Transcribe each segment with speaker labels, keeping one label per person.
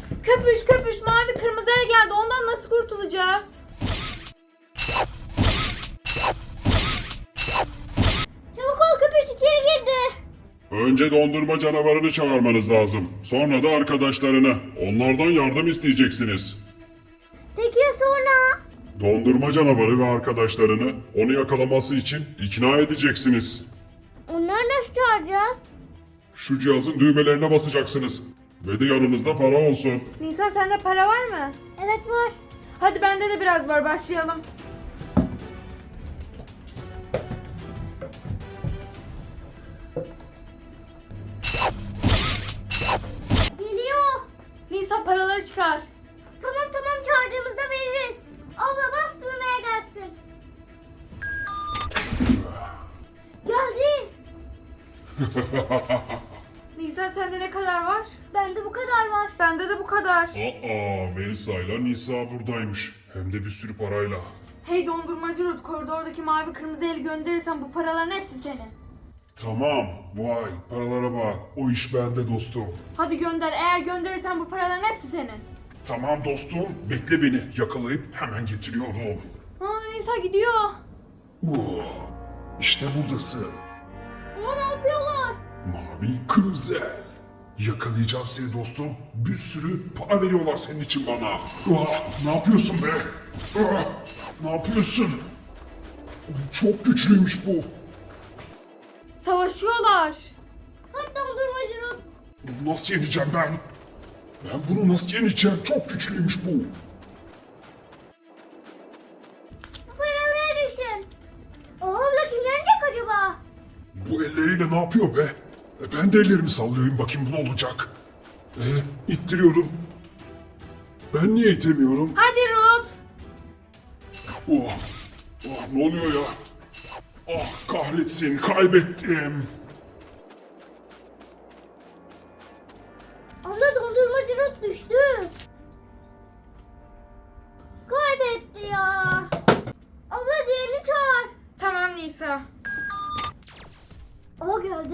Speaker 1: Köpüş köpüş mavi kırmızı el geldi. Ondan nasıl kurtulacağız?
Speaker 2: Çabuk ol, köpüş içeri girdi.
Speaker 3: Önce dondurma canavarını çağırmanız lazım. Sonra da arkadaşlarını. Onlardan yardım isteyeceksiniz.
Speaker 2: Peki ya sonra?
Speaker 3: Dondurma canavarı ve arkadaşlarını onu yakalaması için ikna edeceksiniz.
Speaker 2: Onları nasıl çağıracağız?
Speaker 3: Şu cihazın düğmelerine basacaksınız. Ve de yanınızda para olsun.
Speaker 1: Nisa sende para var mı?
Speaker 2: Evet var.
Speaker 1: Hadi bende de biraz var, başlayalım.
Speaker 2: Geliyor.
Speaker 1: Nisa paraları çıkar.
Speaker 2: Tamam çağırdığımızda veririz. Abla bas düğmeye gelsin. Geldi.
Speaker 1: Nisa sende ne kadar var?
Speaker 2: Bende bu kadar var.
Speaker 1: Bende de bu kadar.
Speaker 3: Melisa ile Nisa buradaymış. Hem de bir sürü parayla.
Speaker 1: Hey dondurmacı Ruth, koridordaki mavi kırmızı eli gönderirsen bu paraların hepsi senin.
Speaker 3: Tamam. Vay paralara bak. O iş bende dostum.
Speaker 1: Hadi gönder, eğer gönderirsen bu paraların hepsi senin.
Speaker 3: Tamam dostum. Bekle beni. Yakalayıp hemen getiriyorum.
Speaker 1: Nisa gidiyor.
Speaker 3: İşte buradasın.
Speaker 1: Ne yapıyorlar?
Speaker 3: Mavi kırmızı el. Yakalayacağım seni dostum. Bir sürü para veriyorlar senin için bana. Ne yapıyorsun be? Ne yapıyorsun? Çok güçlüymüş bu.
Speaker 1: Savaşıyorlar.
Speaker 2: Hadi dondurmacı Ruth.
Speaker 3: Bunu nasıl yeneceğim ben? Ben bunu nasıl yeneceğim? Çok güçlüymüş bu.
Speaker 2: Bu paraları düşün. Abla kim yenecek acaba?
Speaker 3: Bu elleriyle ne yapıyor be? Ben de ellerimi sallıyorum bakayım bu ne olacak? İttiriyorum. Ben niye itemiyorum?
Speaker 1: Hadi Ruth.
Speaker 3: Ne oluyor ya? Ah kahretsin kaybettim.
Speaker 2: Abla dondurmacı Ruth düştü. Kaybetti ya. Abla diğerini çağır.
Speaker 1: Tamam Nisa.
Speaker 2: O geldi.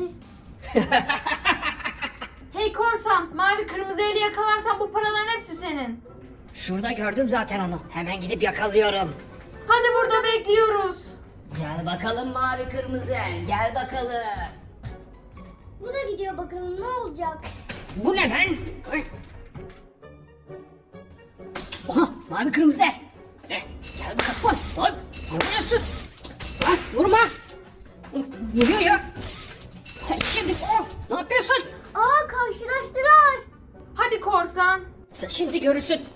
Speaker 1: Hey korsan, mavi kırmızı eli yakalarsan bu paraların hepsi senin.
Speaker 4: Şurada gördüm zaten onu. Hemen gidip yakalıyorum.
Speaker 1: Hadi burada bekliyoruz.
Speaker 4: Gel bakalım mavi kırmızı el. Gel bakalım.
Speaker 2: Bu da gidiyor, bakalım ne olacak.
Speaker 4: Bu ne ben? Ay. Oha mavi kırmızı el. Gel bakalım. Oy. Ne vuruyorsun? Vurma. Vuruyor ya. Sen şimdi ne yapıyorsun?
Speaker 2: Aa, karşılaştılar.
Speaker 1: Hadi korsan.
Speaker 4: Sen şimdi görürsün.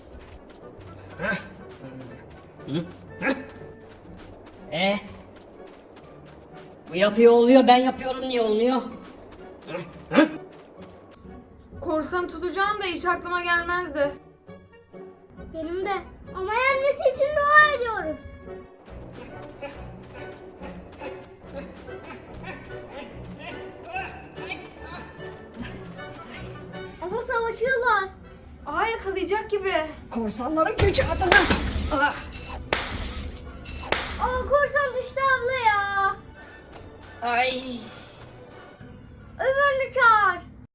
Speaker 4: Bu yapıyor oluyor, ben yapıyorum niye olmuyor?
Speaker 1: Korsanı tutacağım da hiç aklıma gelmezdi.
Speaker 2: Benim de. Ama yenmesi için dua ediyoruz. Ama savaşıyorlar.
Speaker 1: Yakalayacak gibi.
Speaker 4: Korsanların gücü adına. Ah.
Speaker 2: Aa, korsan düştü abla ya.
Speaker 4: Ay.
Speaker 2: Ömer'i çağır.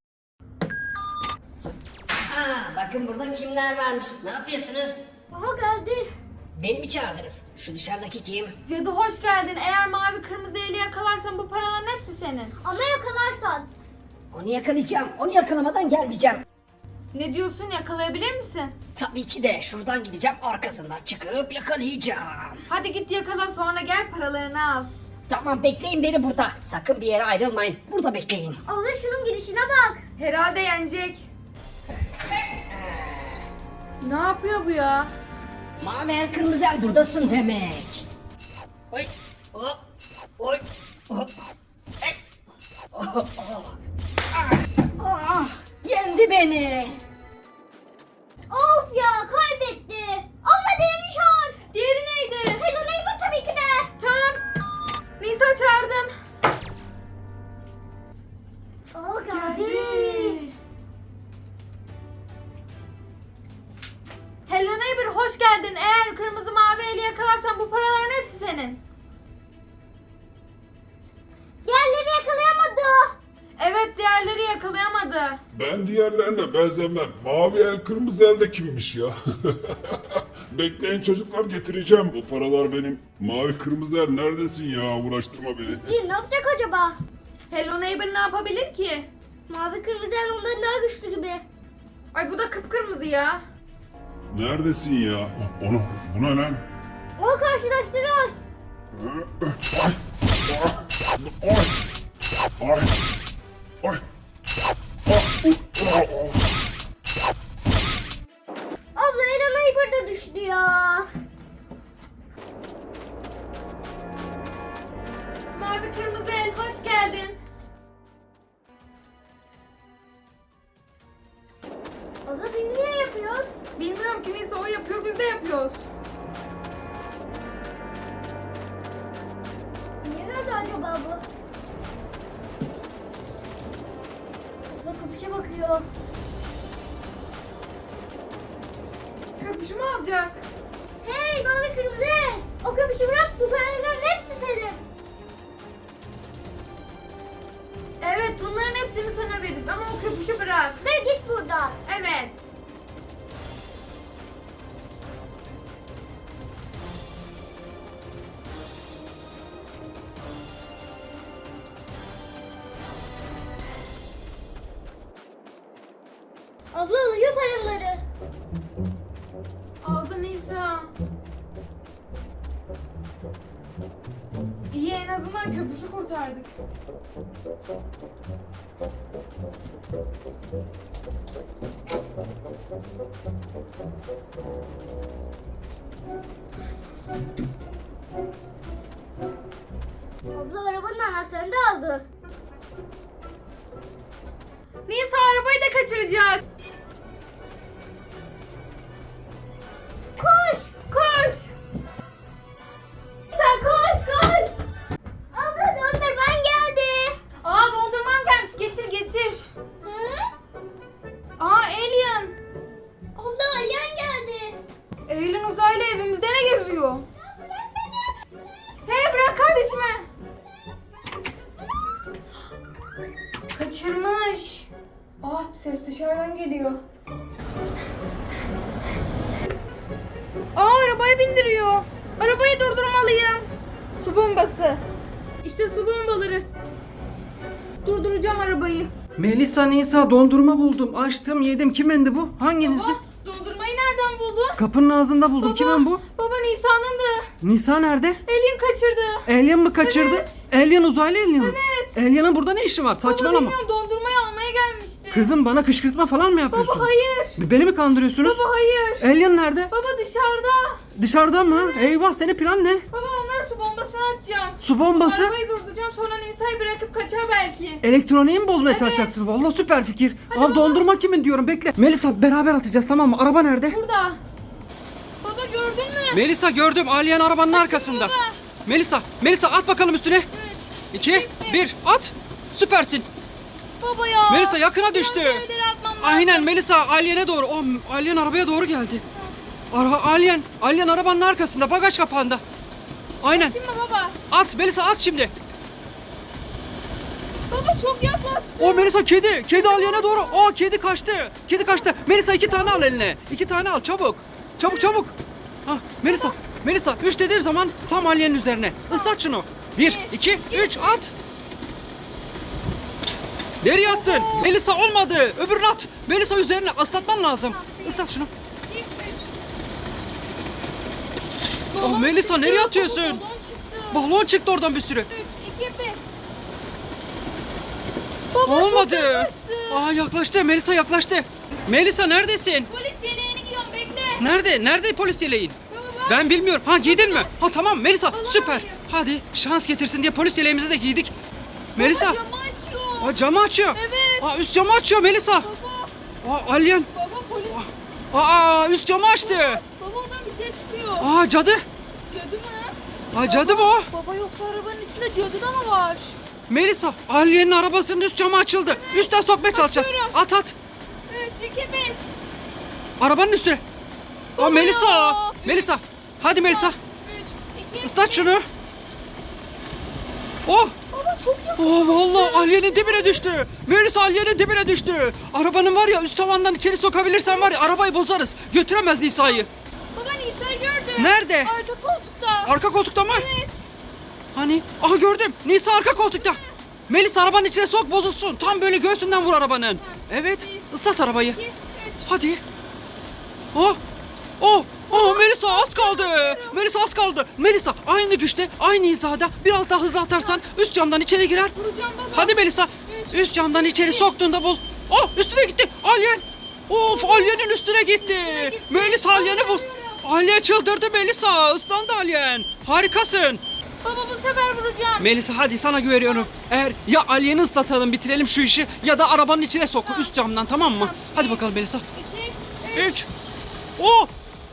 Speaker 4: Bakın burada kimler varmış. Ne yapıyorsunuz?
Speaker 2: Aha geldi.
Speaker 4: Beni mi çağırdınız? Şu dışarıdaki kim?
Speaker 1: Cadı hoş geldin. Eğer mavi kırmızı eli yakalarsan bu paraların hepsi senin.
Speaker 2: Ama yakalarsan.
Speaker 4: Onu yakalayacağım. Onu yakalamadan gelmeyeceğim.
Speaker 1: Ne diyorsun, yakalayabilir misin?
Speaker 4: Tabii ki de şuradan gideceğim, arkasından çıkıp yakalayacağım.
Speaker 1: Hadi git yakala, sonra gel paralarını al.
Speaker 4: Tamam bekleyin beni burada. Sakın bir yere ayrılmayın. Burada bekleyin.
Speaker 2: Abla şunun gidişine bak.
Speaker 1: Herhalde yenecek. Ne yapıyor bu ya?
Speaker 4: Mavi el kırmızı el buradasın demek. Oy. Hop. Oy. Hop. Ey. Oh, oh. Yendi beni.
Speaker 2: Of ya, kaybetti. Abla diğerini çağır.
Speaker 1: Diğeri neydi?
Speaker 2: Hello Neighbor tabii ki de.
Speaker 1: Tamam. Nisa çağırdım.
Speaker 2: Aa, geldi.
Speaker 1: Hello neighbor, hoş geldin. Eğer kırmızı mavi eli yakalarsan bu paraların hepsi senin.
Speaker 2: Diğerleri yakalayamadı.
Speaker 1: Evet, diğerleri yakalayamadı. kaldı.
Speaker 3: Ben diğerlerine benzemem. Mavi el kırmızı el de kimmiş ya? Bekleyin çocuklar, getireceğim. Bu paralar benim. Mavi kırmızı el neredesin ya? Uğraştırma beni.
Speaker 2: Bir ne yapacak acaba?
Speaker 1: Hello Neighbor ne yapabilir ki?
Speaker 2: Mavi kırmızı el ondan daha güçlü gibi.
Speaker 1: Ay bu da kıpkırmızı ya.
Speaker 3: Neredesin ya? Onu, bu ne lan?
Speaker 2: Onu karşılaştırıyoruz.
Speaker 3: Ay! Ay! Ay! Ay!
Speaker 2: Abla Ela Neighbor da düştü ya.
Speaker 1: Mavi kırmızı el hoş geldin.
Speaker 2: Abla biz niye yapıyoruz?
Speaker 1: Bilmiyorum ki neyse o yapıyor biz de yapıyoruz.
Speaker 2: Niye nerede acaba bu? Abla kapışa bakıyor.
Speaker 1: Köpüşümü alacak.
Speaker 2: Hey mavi kırmızı el. O kapışı bırak, bu paraların hepsi senin.
Speaker 1: Evet bunların hepsini sana veririz ama o köpüşü bırak.
Speaker 2: Ve git buradan.
Speaker 1: Evet.
Speaker 2: Abla alıyor paraları.
Speaker 1: Aldı Nisa. İyi en azından köpüşü kurtardık.
Speaker 2: Abla arabanın anahtarını da aldı.
Speaker 1: Nisa arabayı da kaçıracak.
Speaker 2: Koş!
Speaker 1: Koş.
Speaker 2: Sen koş koş! Abla dondurman geldi.
Speaker 1: Aa dondurmam gelmiş getir getir.
Speaker 2: Hı?
Speaker 1: Aa Alien.
Speaker 2: Abla alien geldi.
Speaker 1: Alien uzaylı evimizde ne geziyor? Hey bırak kardeşimi. Kaçırmış. Aa ses dışarıdan geliyor. Aa arabaya bindiriyor. Arabayı durdurmalıyım. Su bombası. İşte su bombaları. Durduracağım arabayı.
Speaker 5: Melisa Nisa dondurma buldum. Açtım yedim. Kimendi bu? Hanginizi?
Speaker 1: Baba dondurmayı nereden buldun?
Speaker 5: Kapının ağzında buldum.
Speaker 1: Baba,
Speaker 5: Kimin bu?
Speaker 1: Baba Nisa'nındı.
Speaker 5: Nisa nerede?
Speaker 1: Alien kaçırdı.
Speaker 5: Alien mı kaçırdı?
Speaker 1: Evet.
Speaker 5: Alien uzaylı alien mi?
Speaker 1: Evet.
Speaker 5: Alien'ın burada ne işi var?
Speaker 1: Baba
Speaker 5: Saçmalama.
Speaker 1: bilmiyorum dondurmayı almaya gelmişti.
Speaker 5: Kızım bana kışkırtma falan mı yapıyorsun?
Speaker 1: Baba hayır.
Speaker 5: Beni mi kandırıyorsunuz?
Speaker 1: Baba hayır.
Speaker 5: Alien nerede?
Speaker 1: Baba dışarıda.
Speaker 5: Dışarıda mı? Eyvah senin plan ne?
Speaker 1: Baba onlara su bombasını atacağım.
Speaker 5: Su bombası?
Speaker 1: Arabayı durduracağım sonra Nisa'yı bırakıp kaçar belki.
Speaker 5: Elektroniği mi bozmaya
Speaker 1: Evet.
Speaker 5: çalışacaksın? Vallahi süper fikir.
Speaker 1: Hadi
Speaker 5: Al
Speaker 1: baba.
Speaker 5: dondurma kimin diyorum bekle. Melisa beraber atacağız tamam mı? Araba nerede?
Speaker 1: Burada. Baba gördün mü?
Speaker 5: Melisa gördüm. Alien arabanın arkasında.
Speaker 1: baba.
Speaker 5: Melisa at bakalım üstüne.
Speaker 1: 3.
Speaker 5: 2, 1 at. Süpersin.
Speaker 1: Baba ya.
Speaker 5: Melisa yakına düştü.
Speaker 1: Biraz da ileri atmam lazım.
Speaker 5: Aynen Melisa Alien'e doğru. O Alien arabaya doğru geldi. Alien arabanın arkasında bagaj kapağında. Aynen.
Speaker 1: Şimdi baba.
Speaker 5: At Melisa at şimdi.
Speaker 1: Baba çok yaklaştı.
Speaker 5: O Melisa kedi. Kedi Alien'e doğru. O kedi kaçtı. Kedi kaçtı. Melisa 2 tane al eline. 2 tane al çabuk. Çabuk. Ha Melisa 3 dediğim zaman tam Alien'in üzerine. Islat şunu. 1, 2, 3 at. Nereye attın? Melisa olmadı. Öbürünü at. Melisa üzerine ıslatman lazım. Islat şunu.
Speaker 1: 2, 3.
Speaker 5: Oh, Melisa, nereye atıyorsun?
Speaker 1: Balon çıktı.
Speaker 5: Balon çıktı oradan bir sürü.
Speaker 1: 3, 2, 1. Baba
Speaker 5: Olmadı.
Speaker 1: çok yaklaştı.
Speaker 5: Aa yaklaştı. Melisa yaklaştı. Melisa neredesin?
Speaker 1: Polis yeleğini giyiyorum bekle.
Speaker 5: Nerede polis yeleğin?
Speaker 1: Baba
Speaker 5: Ben bilmiyorum. Ha giydin mi? Ha tamam Melisa
Speaker 1: Allah'ım
Speaker 5: süper.
Speaker 1: ya.
Speaker 5: Hadi şans getirsin diye polis yeleğimizi de giydik. Melisa.
Speaker 1: Baba camı açıyor.
Speaker 5: Aa, camı açıyor.
Speaker 1: Evet.
Speaker 5: Aa, üst camı açıyor Melisa.
Speaker 1: Baba.
Speaker 5: Aa, Alien.
Speaker 1: Baba polis.
Speaker 5: Aa, üst camı açtı.
Speaker 1: Baba oradan bir şey çıkıyor.
Speaker 5: Aa, cadı.
Speaker 1: Cadı mı?
Speaker 5: Aa, cadı bu.
Speaker 1: Baba yoksa arabanın içinde cadı da mı var?
Speaker 5: Melisa, Alien'in arabasının üst camı açıldı. Üstten sokmaya çalışacağız.
Speaker 1: Açıyorum.
Speaker 5: At.
Speaker 1: 3, 2, 1.
Speaker 5: Arabanın üstüne. Aa,
Speaker 1: Baba
Speaker 5: Melisa.
Speaker 1: ya.
Speaker 5: Melisa. Hadi Melisa.
Speaker 1: 3, 2,
Speaker 5: Islat şunu. Oh.
Speaker 1: Baba
Speaker 2: çok yakın.
Speaker 5: Vallahi alyenin dibine düştü. Melisa alyenin dibine düştü. Arabanın var ya üst tavandan içeri sokabilirsen var ya arabayı bozarız. Götüremez Nisa'yı.
Speaker 1: Baba Nisa'yı gördüm.
Speaker 5: Nerede?
Speaker 1: Arka koltukta.
Speaker 5: Arka koltukta mı?
Speaker 1: Evet.
Speaker 5: Hani? Aha gördüm. Nisa arka koltukta. Melisa arabanın içine sok bozulsun. Tam böyle göğsünden vur arabanın. Evet. Islat arabayı.
Speaker 1: 2, 3.
Speaker 5: Hadi. Oh. Oh. Oh Melisa az kaldı. Melisa az kaldı. Melisa aynı güçte, aynı hizada biraz daha hızlı atarsan üst camdan içeri girer.
Speaker 1: Vuracağım baba.
Speaker 5: Hadi Melisa. Üst camdan içeri soktuğunda bul. Oh üstüne gitti. Alien. Of alyenin üstüne gitti. Melisa alyeni bul. Alyen çıldırdı Melisa. Islandı alyen. Harikasın.
Speaker 1: Baba bu sefer vuracağım.
Speaker 5: Melisa hadi sana güveniyorum. Eğer ya alyeni ıslatalım bitirelim şu işi ya da arabanın içine sok üst camdan tamam mı? Hadi bakalım Melisa.
Speaker 1: 2, 3.
Speaker 5: 3. Oh.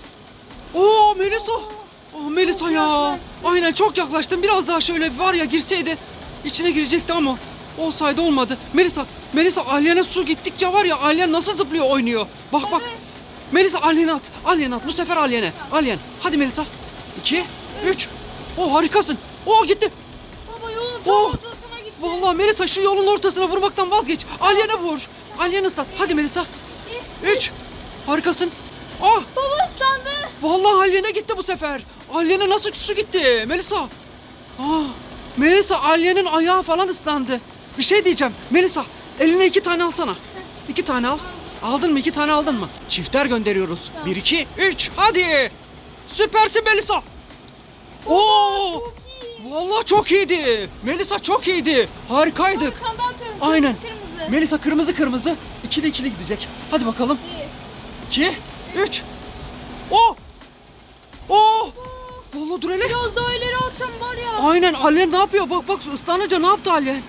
Speaker 5: Oh Melisa. Oh Melisa ya.
Speaker 1: yaklaştın.
Speaker 5: Aynen çok yaklaştın. Biraz daha şöyle var ya girseydi içine girecekti ama olsaydı olmadı. Melisa alyene su gittikçe var ya alyen nasıl zıplıyor oynuyor. Bak bak.
Speaker 1: Evet.
Speaker 5: Melisa alyeni at. Alyeni at. Bu sefer alyene. Alyen. Hadi Melisa. 2 3. Oh harikasın. Oh gitti.
Speaker 1: Baba yolun tam
Speaker 5: Oh.
Speaker 1: ortasına gitti.
Speaker 5: Vallahi Melisa şu yolun ortasına vurmaktan vazgeç. Alyene vur. Alyeni ıslat. Hadi Melisa. 3. Harikasın. Ah.
Speaker 1: Baba ıslandı.
Speaker 5: Vallahi alyene gitti bu sefer. Alyene nasıl su gitti Melisa? Ah. Melisa alyenin ayağı falan ıslandı. Bir şey diyeceğim. Melisa eline 2 tane alsana. 2 tane al. Aldın mı? 2 tane aldın mı? Çifter gönderiyoruz. 1 2 3 hadi. Süpersin Melisa. Oo.
Speaker 1: Çok iyi.
Speaker 5: Vallahi çok iyiydi. Melisa çok iyiydi. Harikaydık.
Speaker 1: Bir tane daha atıyorum.
Speaker 5: Aynen.
Speaker 1: Kırmızı.
Speaker 5: Melisa kırmızı. İkili ikili gidecek. Hadi bakalım.
Speaker 1: 1.
Speaker 5: 2 3. Oh. Oh. Vallahi dur hele.
Speaker 1: Biraz daha ileri atsam var ya.
Speaker 5: Aynen Alyen ne yapıyor? Bak bak ıslanınca ne yaptı Alyen?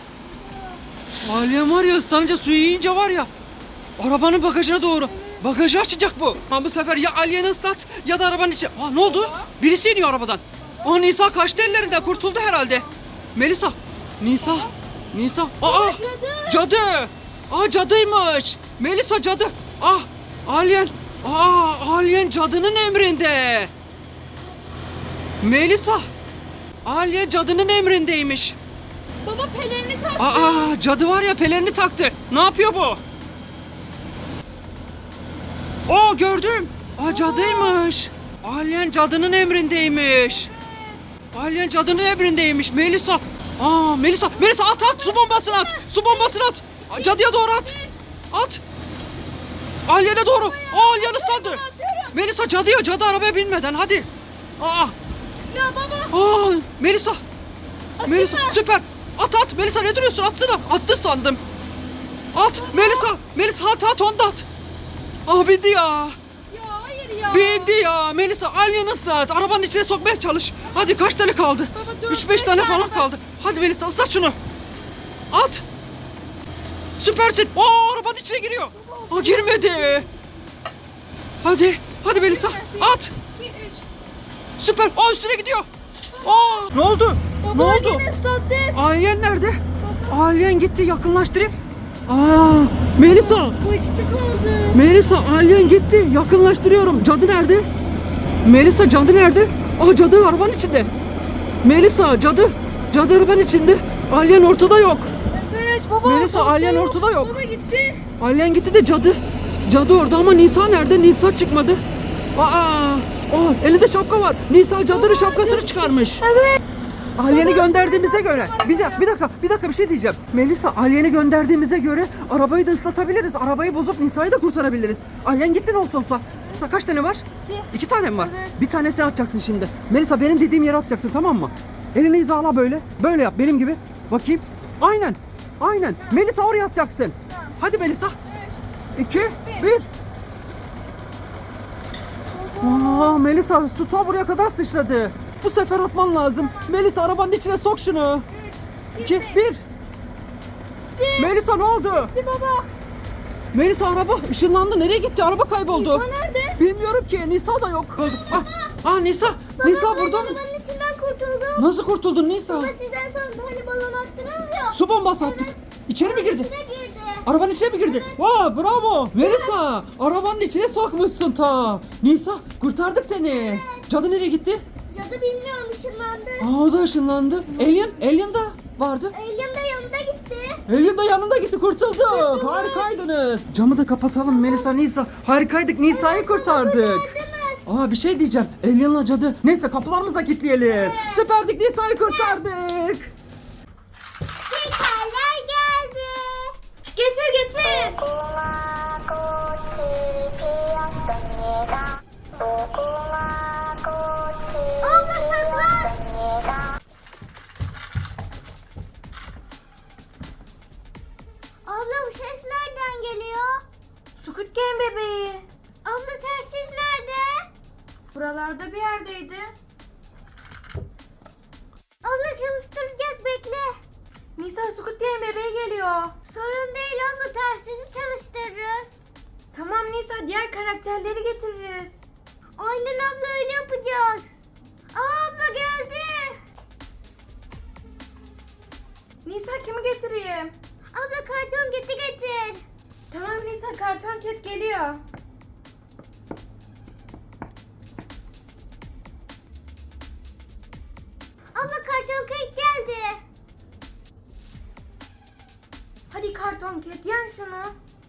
Speaker 5: Alyen var ya ıslanınca suyu yiyince var ya. Arabanın bagajına doğru. Bagajı açacak bu. Ama bu sefer ya Alyen'i ıslat ya da arabanın içi. Aa ne oldu? Birisi iniyor arabadan. Aa Nisa kaçtı ellerinden kurtuldu herhalde. Melisa. Nisa. Aa cadı. Aa cadıymış. Melisa cadı. Ah Alyen. Aa Alyen cadının emrinde. Melisa. Alyen cadının emrindeymiş.
Speaker 1: Baba pelerini taktı.
Speaker 5: Aa cadı var ya pelerini taktı. Ne yapıyor bu? Oo gördüm. Aa cadıymış. Alyen cadının emrindeymiş. Alyen cadının emrindeymiş Melisa. Aa Melisa at su bombasını at. Su bombasını at. Cadıya doğru at. At. Alyen'e doğru. Aa Alyen ıslandı. Melisa cadı arabaya binmeden hadi. Aa.
Speaker 1: Ya baba.
Speaker 5: Aa Melisa.
Speaker 1: Atayım
Speaker 5: Melisa
Speaker 1: mı?
Speaker 5: süper. At Melisa ne duruyorsun atsana. Attı sandım. At Melisa at onu da at. Ah bindi ya.
Speaker 1: Ya hayır ya.
Speaker 5: Bindi ya. Melisa alyen ıslat. Arabanın içine sokmaya çalış. Hadi kaç tane kaldı?
Speaker 1: Baba,
Speaker 5: 3-5
Speaker 1: 4-5
Speaker 5: tane
Speaker 1: tane
Speaker 5: falan
Speaker 1: var.
Speaker 5: kaldı. Hadi Melisa ıslat şunu. At. Süpersin. Aa arabanın içine giriyor. Aa girmedi. Hadi Melisa at.
Speaker 1: 2, 3.
Speaker 5: Süper. Aa üstüne gidiyor. Aa ne oldu?
Speaker 1: Baba
Speaker 5: ne oldu?
Speaker 1: yine ıslattı.
Speaker 5: Alyen nerede? Alyen gitti yakınlaştırayım. Aa Melisa.
Speaker 1: Bu ikisi kaldı.
Speaker 5: Melisa alyen gitti. Yakınlaştırıyorum. Cadı nerede? Melisa cadı nerede? Aa cadı arabanın içinde. Melisa cadı arabanın içinde. Alyen ortada yok.
Speaker 1: Evet baba.
Speaker 5: Melisa,
Speaker 1: ortada
Speaker 5: alyen ortada yok.
Speaker 1: Baba gitti.
Speaker 5: Alyen gitti de cadı orada ama Nisa nerede? Nisa çıkmadı. Aa elinde şapka var. Nisa cadının şapkasını çıkarmış.
Speaker 1: Evet.
Speaker 5: Alyeni gönderdiğimize göre bir dakika bir şey diyeceğim. Melisa alyeni gönderdiğimize göre arabayı da ıslatabiliriz. Arabayı bozup Nisa'yı da kurtarabiliriz. Alyen gitti ne olsa. Kaç tane var? 2 tane mi var?
Speaker 1: Evet.
Speaker 5: Bir tanesini atacaksın şimdi. Melisa benim dediğim yere atacaksın tamam mı? Elini hizala böyle. Böyle yap benim gibi. Bakayım. Aynen. Melisa oraya atacaksın. Hadi Melisa. 2 1. Aa Melisa su ta buraya kadar sıçradı. Bu sefer atman lazım. Melisa arabanın içine sok şunu. 2 1. Melisa ne oldu?
Speaker 1: Gitti baba.
Speaker 5: Melisa araba ışınlandı. Nereye gitti? Araba kayboldu.
Speaker 1: Nisa nerede?
Speaker 5: Bilmiyorum ki. Nisa da yok. Nisa. Nisa burada mı?
Speaker 2: Arabanın içinden kurtuldum.
Speaker 5: Nasıl kurtuldun Nisa?
Speaker 2: Baba siz en son hani balon attınız ya.
Speaker 5: Su bombası attık. İçeri mi girdi?
Speaker 2: İçine girdi.
Speaker 5: Arabanın içine mi girdi? Vaa bravo. Melisa arabanın içine sokmuşsun ta. Nisa kurtardık seni. Cadı nereye gitti?
Speaker 2: Cadı bilmiyorum ışınlandı.
Speaker 5: Aa o da ışınlandı. Alien da. vardı?
Speaker 2: Alien de yanında gitti.
Speaker 5: Alien da yanında gitti, kurtulduk. Harikaydınız. Camı da kapatalım Melisa, Nisa. Harikaydık, Nisa'yı kurtardık. Aa, bir şey diyeceğim. Alien'la cadı. Neyse, kapılarımızı da kilitleyelim. Süperdik, Nisa'yı kurtardık.
Speaker 2: Şekerler geldi.
Speaker 1: Getir getir.
Speaker 2: Abla saklan. Abla bu ses nereden geliyor?
Speaker 1: Squid Game bebeği.
Speaker 2: Abla telsiz nerede?
Speaker 1: Buralarda bir yerdeydi.
Speaker 2: Abla çalıştıracağız, bekle.
Speaker 1: Nisa, Squid Game bebeği geliyor.
Speaker 2: Sorun değil abla, telsizi çalıştırırız.
Speaker 1: Tamam Nisa, diğer karakterleri getiririz.
Speaker 2: Aynen abla, öyle yapacağız. Aa, abla geldi.
Speaker 1: Nisa, kimi getireyim?
Speaker 2: Abla karton getir.
Speaker 1: Tamam Nisa, karton ket geliyor.
Speaker 2: Abla karton kek geldi.
Speaker 1: Hadi karton ket, yen şunu.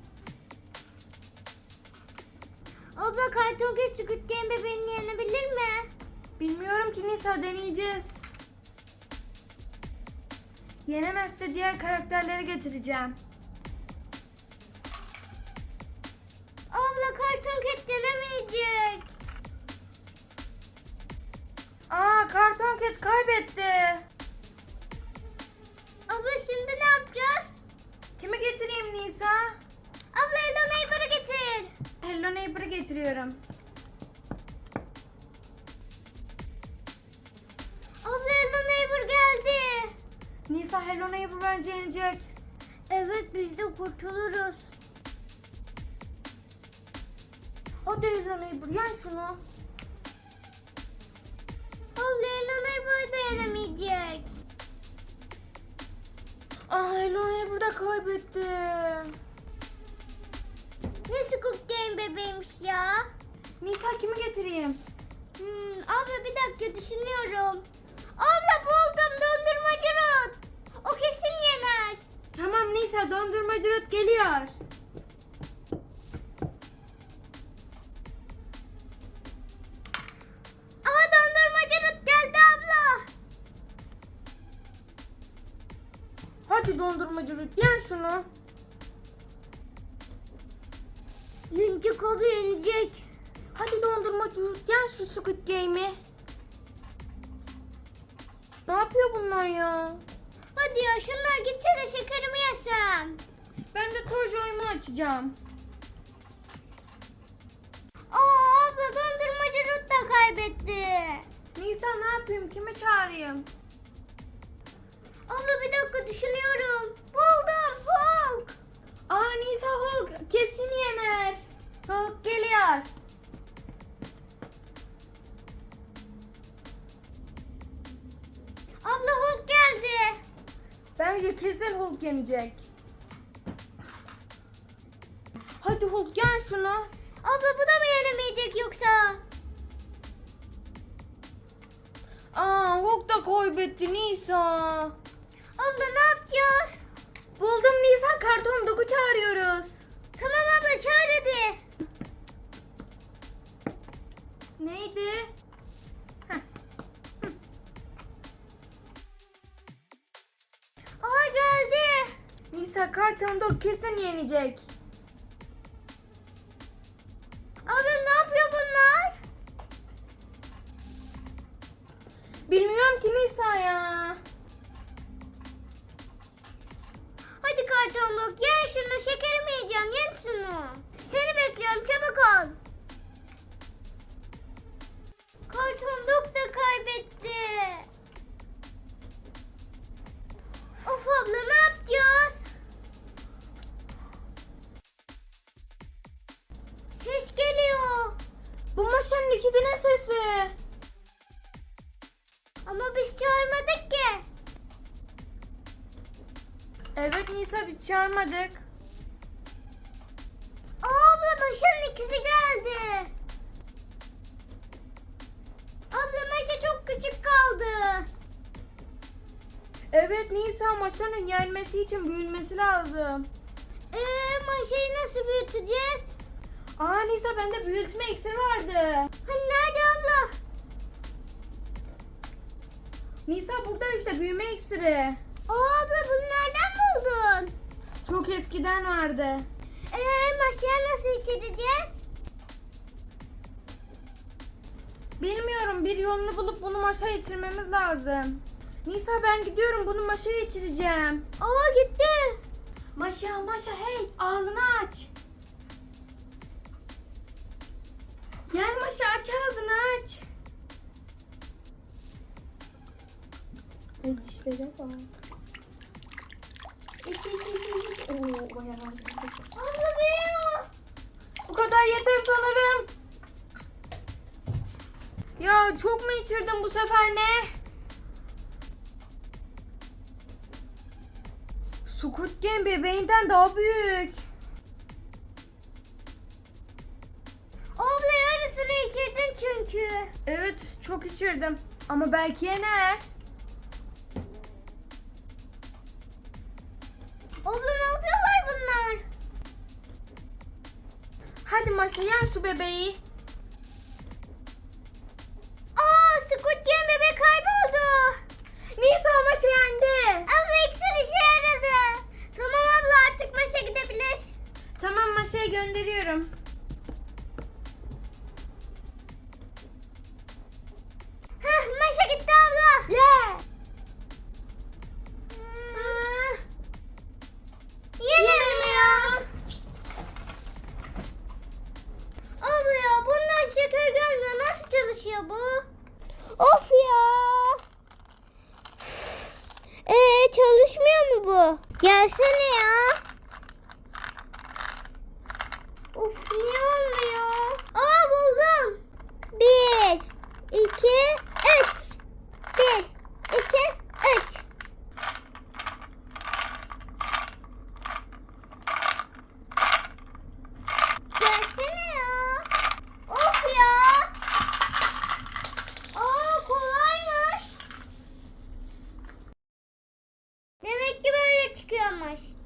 Speaker 2: Abla karton kek Squid Game bebeğini yenebilir mi?
Speaker 1: Bilmiyorum ki Nisa, deneyeceğiz. Yenemezse diğer karakterleri getireceğim.
Speaker 2: Abla karton kek denemeyecek.
Speaker 1: Aa, karton ket kaybetti.
Speaker 2: Abla şimdi ne yapacağız?
Speaker 1: Kimi getireyim Nisa?
Speaker 2: Abla Hello Neighbor'ı getir.
Speaker 1: Hello Neighbor'ı getiriyorum.
Speaker 2: Abla Hello Neighbor geldi.
Speaker 1: Nisa, Hello Neighbor bence yenecek.
Speaker 2: Evet, biz de kurtuluruz.
Speaker 1: Hadi Hello Neighbor, yen şunu.
Speaker 2: Abla Hello Neighbor da yenemeyecek.
Speaker 1: Aa, Hello Neighbor da kaybetti.
Speaker 2: Ne Squid Game bebeğiymiş ya.
Speaker 1: Nisa, kimi getireyim?
Speaker 2: Abla bir dakika düşünüyorum. Abla buldum, dondurmacı Ruth. O kesin yener.
Speaker 1: Tamam Nisa, dondurmacı Ruth geliyor.
Speaker 2: Aa, dondurmacı Ruth geldi abla.
Speaker 1: Hadi dondurmacı Ruth, yen şunu.
Speaker 2: Yenecek abla, yenecek.
Speaker 1: Hadi dondurmacı Ruth, yen şu Squid Game'i. Ne yapıyor bunlar ya?
Speaker 2: Hadi ya, şunlar gitse de şekerimi yesem.
Speaker 1: Ben de Toy oyunu açacağım.
Speaker 2: Aa, abla dondurmacı Ruth da kaybetti.
Speaker 1: Nisa, ne yapayım? Kimi çağırayım?
Speaker 2: Abla bir dakika düşünüyorum. Buldum, Hulk.
Speaker 1: Aa, Nisa, Hulk kesin yener. Hulk geliyor.
Speaker 2: Abla Hulk geldi.
Speaker 1: Bence kesin Hulk yenecek. Hadi Hulk, yen şunu.
Speaker 2: Abla bu da mı yenemeyecek yoksa?
Speaker 1: Aa, Hulk da kaybetti Nisa.
Speaker 2: Abla ne yapacağız?
Speaker 1: Buldum Nisa, karton doku çağırıyoruz.
Speaker 2: Tamam abla, çağır hadi.
Speaker 1: Neydi?
Speaker 2: Aa, geldi.
Speaker 1: Nisa, karton dok kesin yenecek.
Speaker 2: Abla ne yapıyor bunlar?
Speaker 1: Bilmiyorum ki Nisa ya.
Speaker 2: Hadi kartonluk, yen şunu, şekerimi yiyeceğim, yen şunu. Seni bekliyorum, çabuk ol. Kartonluk da kaybetti. Of abla, ne yapacağız? Ses geliyor.
Speaker 1: Bu maşanın ikidinin sesi.
Speaker 2: Ama biz çağırmadık ki.
Speaker 1: Evet Nisa, biz çağırmadık.
Speaker 2: Abla Maşa'nın ikizi geldi. Abla Maşa çok küçük kaldı.
Speaker 1: Evet Evet Nisa, maşanın yenmesi için büyümesi lazım.
Speaker 2: Maşayı nasıl büyüteceğiz?
Speaker 1: Aa Nisa, bende büyütme iksiri vardı.
Speaker 2: Hani nerede abla?
Speaker 1: Nisa burada işte, büyüme iksiri.
Speaker 2: Abla bunu nereden buldun?
Speaker 1: Çok eskiden vardı.
Speaker 2: Maşaya nasıl içireceğiz?
Speaker 1: Bilmiyorum, bir yolunu bulup bunu maşaya içirmemiz lazım. Nisa ben gidiyorum, bunu maşaya içireceğim.
Speaker 2: Gitti.
Speaker 1: Maşa hey, ağzını aç. Gel Maşa, aç ağzını aç. Dişlere bak. Oo, bayağı var.
Speaker 2: Abla büyüyor.
Speaker 1: Bu kadar yeter sanırım. Ya çok mu içirdim bu sefer, ne? Squid Game bebeğinden daha büyük.
Speaker 2: Abla yarısını içirdin çünkü.
Speaker 1: Evet, çok içirdim. Ama belki yener.
Speaker 2: Abla ne yapıyorlar bunlar?
Speaker 1: Hadi Maşa, yen şu bebeği.
Speaker 2: Squid Game bebek kayboldu.
Speaker 1: Nisa, Maşa yendi.
Speaker 2: Abla iksir işe yaradı. Tamam abla, artık maşa gidebilir.
Speaker 1: Tamam, Maşa'ya gönderiyorum.
Speaker 2: Maşa gitti abla. Yenemiyor. Abla ya, bundan şeker gelmiyor. Nasıl çalışıyor bu? Of ya. Çalışmıyor mu bu? Gelsene ya. Of, niye olmuyor? Buldum. 1, 2, 3. 1, 2, 3. Gelsene ya. Of ya. Kolaymış. Demek ki böyle çıkıyormuş.